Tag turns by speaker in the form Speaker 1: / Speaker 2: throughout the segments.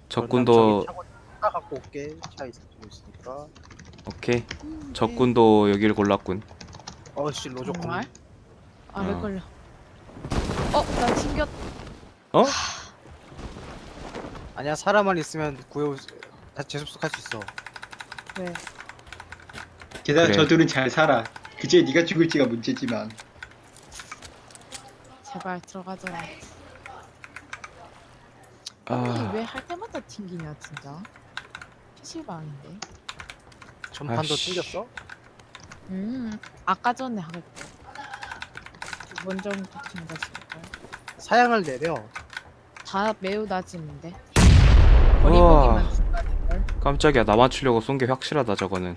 Speaker 1: 적군도
Speaker 2: 차 갖고 올게. 차 있으니까.
Speaker 1: 오케이. 적군도 여기를 골랐군.
Speaker 2: 어씨 로조
Speaker 3: 정말?
Speaker 2: 건.
Speaker 3: 아, 렉 걸려. 나 튕겼.
Speaker 1: 어?
Speaker 2: 아니야 사람만 있으면 구해 다 재접속할 수 있어.
Speaker 3: 왜?
Speaker 4: 게다가
Speaker 1: 그래.
Speaker 4: 저들은 잘 살아. 그제 네가 죽을지가 문제지만.
Speaker 3: 제발 들어가져라.
Speaker 1: 아.
Speaker 3: 아니 왜 할 때마다 튕기냐 진짜. PC방인데.
Speaker 2: 전판도
Speaker 1: 아이씨.
Speaker 2: 튕겼어?
Speaker 3: 아까 전에 하고 두번 정도 튕겼을걸.
Speaker 2: 사양을 내려.
Speaker 3: 다 매우 낮은데.
Speaker 1: 우와.
Speaker 3: 거리보기만 중간일걸.
Speaker 1: 깜짝이야. 나 맞추려고 쏜 게 확실하다 저거는.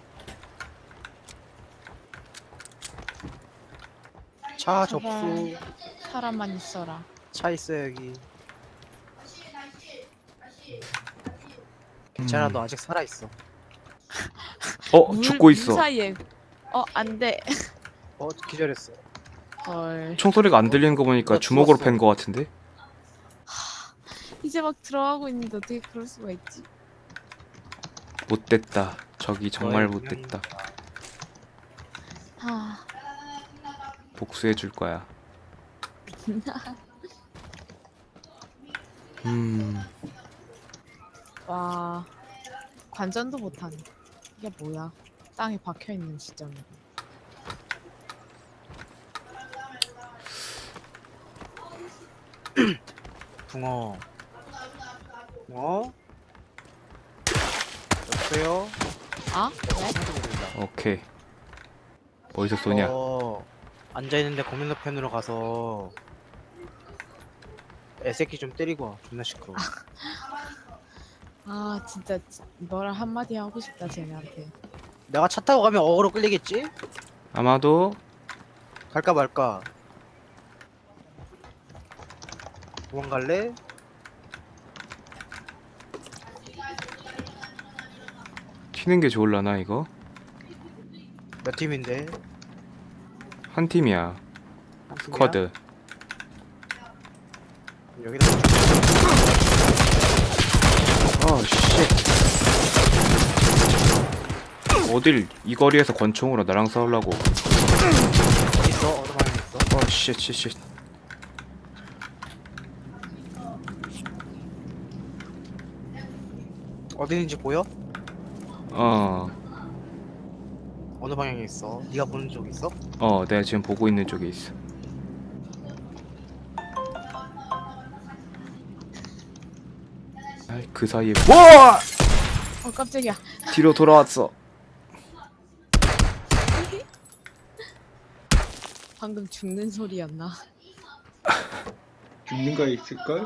Speaker 2: 차
Speaker 3: 제발.
Speaker 2: 접수.
Speaker 3: 사람만 있어라.
Speaker 2: 차 있어 여기. 괜찮아 너 아직 살아 있어.
Speaker 1: 죽고 있어.
Speaker 3: 사이에. 안돼.
Speaker 2: 기절했어.
Speaker 3: 헐.
Speaker 1: 총소리가 안 들리는 거 보니까
Speaker 2: 나
Speaker 1: 주먹으로
Speaker 2: 죽었어.
Speaker 1: 팬 거 같은데?
Speaker 3: 이제 막 들어가고 있는데 어떻게 그럴 수가 있지?
Speaker 1: 못됐다. 저기 정말
Speaker 2: 너의
Speaker 1: 못됐다.
Speaker 3: 아,
Speaker 1: 복수해 줄 거야.
Speaker 3: 와, 관전도 못하네. 이게 뭐야? 땅에 박혀 있는 지점이.
Speaker 2: 붕어. 붕어? 여보세요?
Speaker 3: 아? 왜?
Speaker 1: 오케이. 어디서 쏘냐?
Speaker 2: 앉아있는데 건너편으로 가서 애새끼 좀 때리고 와. 존나 시끄러워.
Speaker 3: 아, 진짜 너랑 한마디 하고 싶다 쟤네한테.
Speaker 2: 내가 차 타고 가면 어그로 끌리겠지?
Speaker 1: 아마도
Speaker 2: 갈까 말까? 도망갈래?
Speaker 1: 튀는 게 좋을라나 이거?
Speaker 2: 몇 팀인데?
Speaker 1: 한 팀이야.
Speaker 2: 한 팀이야?
Speaker 1: 스쿼드.
Speaker 2: 여기다
Speaker 1: 쉣. 어딜 이 거리에서 권총으로 나랑 싸우려고.
Speaker 2: 어디 있어? 어디 방향에 있어?
Speaker 1: 쉣.
Speaker 2: 어디 있는지 보여? 어느 방향에 있어? 네가 보는 쪽에 있어?
Speaker 1: 내가 지금 보고 있는 쪽에 있어. 아이, 그 사이에 와!
Speaker 3: 깜짝이야.
Speaker 1: 뒤로 돌아왔어.
Speaker 3: 방금 죽는 소리였나?
Speaker 4: 죽는 거 있을걸?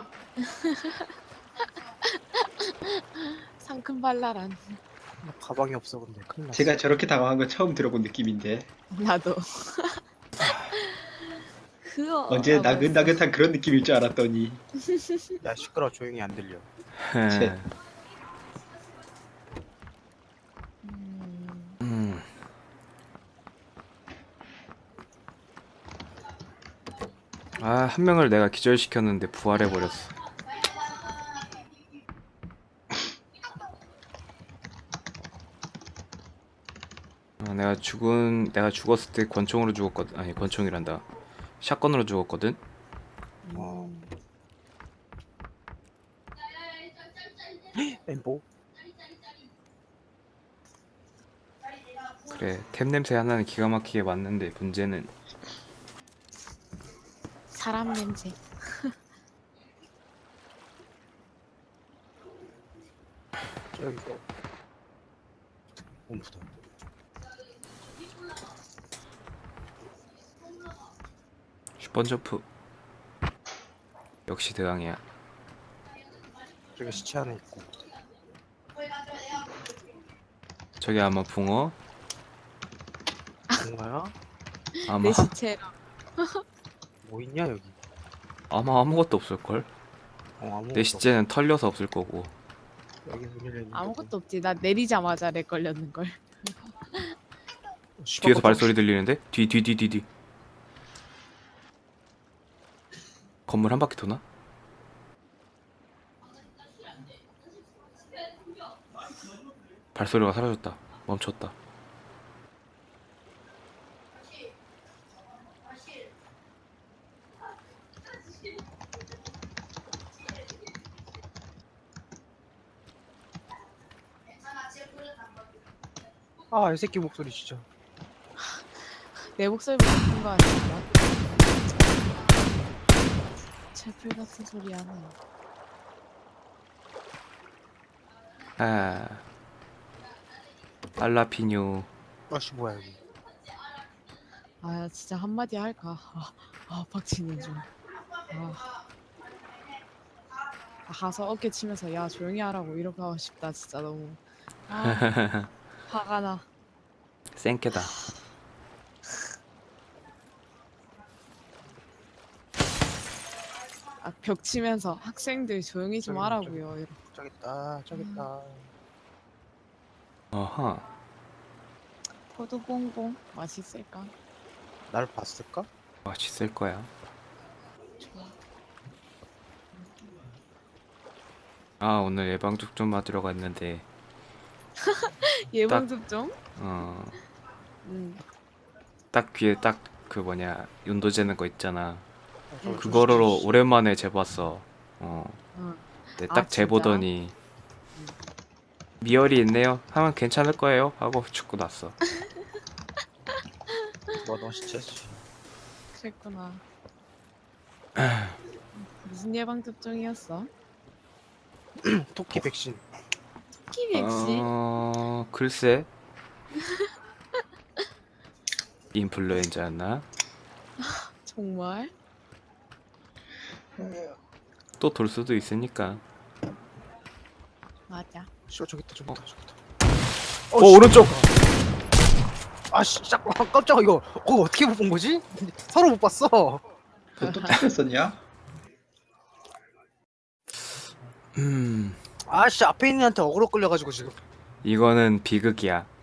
Speaker 3: 상큼발랄한.
Speaker 2: 나 가방이 없어 근데 큰일 났어.
Speaker 4: 제가 저렇게 당황한 거 처음 들어본 느낌인데.
Speaker 3: 나도. 그어.
Speaker 4: 언제 나긋나긋한 그런 느낌일 줄 알았더니.
Speaker 2: 야 시끄러워 조용히 안 들려.
Speaker 4: 쳇.
Speaker 1: 한 명을 내가 기절시켰는데 부활해버렸어. 내가 죽었을 때 권총으로 죽었거든. 아니, 권총이란다. 샷건으로 죽었거든.
Speaker 2: 엠보?
Speaker 1: 그래, 템 냄새 하나는 기가 막히게 맞는데 문제는
Speaker 3: 사람 냄새.
Speaker 2: 저기 거. 옴프다.
Speaker 1: 슈퍼점프. 역시 대왕이야.
Speaker 2: 저기 시체 하나 있고.
Speaker 1: 저게 아마 붕어?
Speaker 2: 뭔가야?
Speaker 1: 아마
Speaker 3: 내 시체랑.
Speaker 2: 뭐 있냐 여기?
Speaker 1: 아마 아무것도 없을걸?
Speaker 2: 아무것도
Speaker 1: 내 시체는 털려서 없을 거고.
Speaker 2: 없어. 여기 문 열려 있는
Speaker 3: 아무것도 없지. 나 내리자마자 렉 걸렸는 걸.
Speaker 1: 뒤에서 발소리 들리는데? 뒤. 건물 한 바퀴 도나? 발소리가 사라졌다. 멈췄다.
Speaker 2: 아, 이 새끼 목소리 진짜.
Speaker 3: 내 목소리보다 큰 거 아닌가? 채플 같은 소리 하네.
Speaker 1: 아, 알라피뇨.
Speaker 2: 아씨, 뭐야, 여기.
Speaker 3: 아 진짜 한마디 할까? 박치는 중. 가서 어깨 치면서 야 조용히 하라고 이렇게 하고 싶다 진짜 너무. 화가 나.
Speaker 1: 생케다.
Speaker 3: 벽 치면서 학생들 조용히 좀
Speaker 2: 저기,
Speaker 3: 하라고요. 이렇게.
Speaker 2: 저기 있다, 저기 있다.
Speaker 1: 어허.
Speaker 3: 포도봉봉 맛있을까?
Speaker 2: 날 봤을까?
Speaker 1: 맛있을 거야.
Speaker 3: 좋아.
Speaker 1: 아, 오늘 예방접종 맞으러 갔는데
Speaker 3: 예방 접종?
Speaker 1: 딱 귀에 딱 그 뭐냐 윤도 재는 거 있잖아.
Speaker 2: 저
Speaker 1: 그거로
Speaker 2: 씨.
Speaker 1: 오랜만에 재봤어.
Speaker 3: 응.
Speaker 1: 근데
Speaker 3: 아,
Speaker 1: 딱 재보더니 미열이 있네요. 하면 괜찮을 거예요. 하고 죽고 났어.
Speaker 2: 너 진짜.
Speaker 3: 그랬구나. 무슨 예방 접종이었어?
Speaker 2: 토끼 백신.
Speaker 3: 토끼 백신?
Speaker 1: 글쎄. 인플루엔자였나?
Speaker 3: 정말?
Speaker 1: 또 돌 수도 있으니까.
Speaker 3: 맞아.
Speaker 2: 씨발, 저기 있다, 저기 있다, 저기 있다.
Speaker 1: 오른쪽.
Speaker 2: 아씨, 깜짝아, 이거. 어떻게 못 본 거지? 서로 못 봤어.
Speaker 4: 그것도 틀렸었냐?
Speaker 2: 아씨, 앞에 있는 애한테 어그로 끌려가지고 지금.
Speaker 1: 이거는 비극이야.